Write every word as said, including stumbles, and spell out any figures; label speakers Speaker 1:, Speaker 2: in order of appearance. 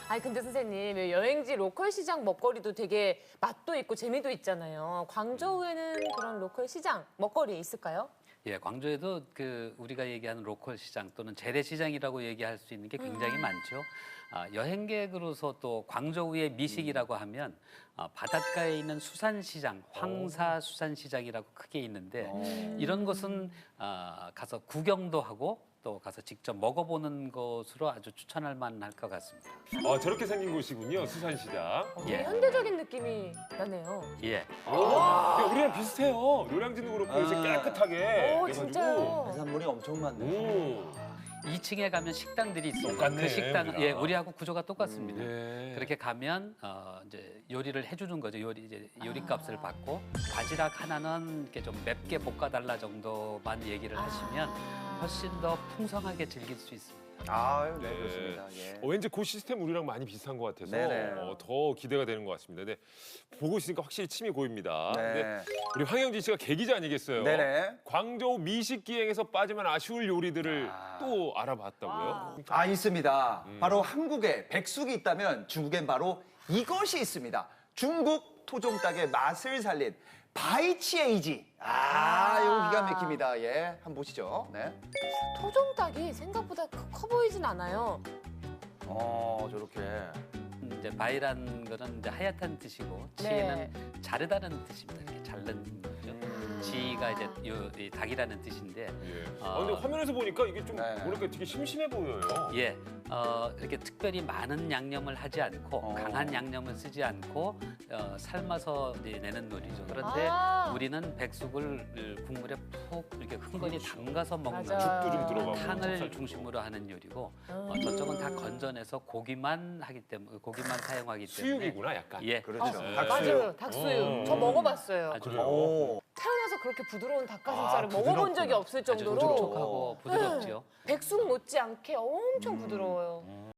Speaker 1: 아니 근데 선생님 여행지 로컬 시장 먹거리도 되게 맛도 있고 재미도 있잖아요. 광저우에는 그런 로컬 시장 먹거리 있을까요?
Speaker 2: 예, 광주에도 그 우리가 얘기하는 로컬 시장 또는 재래시장이라고 얘기할 수 있는 게 굉장히
Speaker 1: 음.
Speaker 2: 많죠. 아, 여행객으로서 또 광저우의 미식이라고 하면 아, 바닷가에 있는 수산시장, 황사수산시장이라고 크게 있는데 이런 곳은 아, 가서 구경도 하고 또 가서 직접 먹어보는 것으로 아주 추천할 만할 것 같습니다.
Speaker 3: 아, 저렇게 생긴 곳이군요, 수산시장.
Speaker 1: 어, 되게
Speaker 2: 예.
Speaker 1: 현대적인 느낌이 나네요.
Speaker 2: 예.
Speaker 3: 야, 우리랑 비슷해요. 노량진도 그렇고 요새
Speaker 4: 아.
Speaker 3: 깨끗하게.
Speaker 1: 오
Speaker 3: 그래가지고.
Speaker 1: 진짜요.
Speaker 4: 해산물이 엄청 많네.
Speaker 3: 오.
Speaker 2: 이 층에 가면 식당들이 있습니다.
Speaker 3: 똑같네,
Speaker 2: 그 식당,
Speaker 3: 우리랑.
Speaker 2: 예, 우리하고 구조가 똑같습니다.
Speaker 3: 예.
Speaker 2: 그렇게 가면 어, 이제 요리를 해주는 거죠. 요리 이제 요리값을
Speaker 1: 아.
Speaker 2: 받고 바지락 하나는 이렇게 좀 맵게 볶아달라 정도만 얘기를 하시면 훨씬 더 풍성하게 즐길 수 있습니다.
Speaker 4: 아유, 네,
Speaker 3: 네.
Speaker 4: 그렇습니다. 예.
Speaker 3: 어, 왠지 그 시스템 우리랑 많이 비슷한 것 같아서
Speaker 4: 네네.
Speaker 3: 어, 더 기대가 되는 것 같습니다. 근데 보고 있으니까 확실히 침이 고입니다. 근데
Speaker 4: 네.
Speaker 3: 우리 황영진 씨가 계기자 아니겠어요?
Speaker 4: 네네.
Speaker 3: 광저우 미식 기행에서 빠지면 아쉬울 요리들을
Speaker 4: 아.
Speaker 3: 또 알아봤다고요?
Speaker 1: 와.
Speaker 4: 아, 있습니다.
Speaker 3: 음.
Speaker 4: 바로 한국에 백숙이 있다면 중국엔 바로 이것이 있습니다. 중국 토종닭의 맛을 살린 바이치에이지. 아, 이거 기가 막힙니다. 예, 한번 보시죠. 네.
Speaker 1: 토종닭이 생각보다 커- 커 보이진 않아요.
Speaker 4: 어, 저렇게.
Speaker 2: 이제 바이란 거는 이제 하얗다는 뜻이고
Speaker 1: 네.
Speaker 2: 치에는 자르다는 뜻입니다. 이렇게 자른 거죠.
Speaker 4: 음.
Speaker 2: 지가 이제 요, 이 닭이라는 뜻인데
Speaker 3: 예.
Speaker 2: 어.
Speaker 3: 아, 근데 화면에서 보니까 이게 좀
Speaker 4: 네.
Speaker 3: 뭐랄까 되게 심심해 보여요.
Speaker 2: 예, 어, 이렇게 특별히 많은 양념을 하지 않고
Speaker 4: 어.
Speaker 2: 강한 양념을 쓰지 않고 어, 삶아서 이제 내는 요리죠. 그런데
Speaker 1: 아.
Speaker 2: 우리는 백숙을 국물에 푹 이렇게 흥건히 담가서 먹는
Speaker 1: 맞아.
Speaker 3: 죽도 좀 들어가고.
Speaker 2: 탕을
Speaker 3: 찹쌀
Speaker 2: 중심으로 하는 요리고 어,
Speaker 1: 음.
Speaker 2: 저쪽은 다 건져내서 고기만 하기 때문에 고기만 사용하기 때문에
Speaker 3: 수육이구나, 약간.
Speaker 2: 예,
Speaker 4: 그렇죠.
Speaker 3: 네.
Speaker 1: 맞아요. 닭수육.
Speaker 3: 어.
Speaker 1: 저 먹어봤어요.
Speaker 2: 아주
Speaker 3: 그래요?
Speaker 4: 오.
Speaker 1: 태어나서 그렇게 부드러운 닭가슴살을
Speaker 3: 아,
Speaker 1: 먹어본 적이
Speaker 3: 부드럽구나.
Speaker 1: 없을
Speaker 2: 아주
Speaker 1: 정도로
Speaker 2: 촉촉하고 부드럽지요.
Speaker 1: 백숙 못지않게 엄청 부드러워요.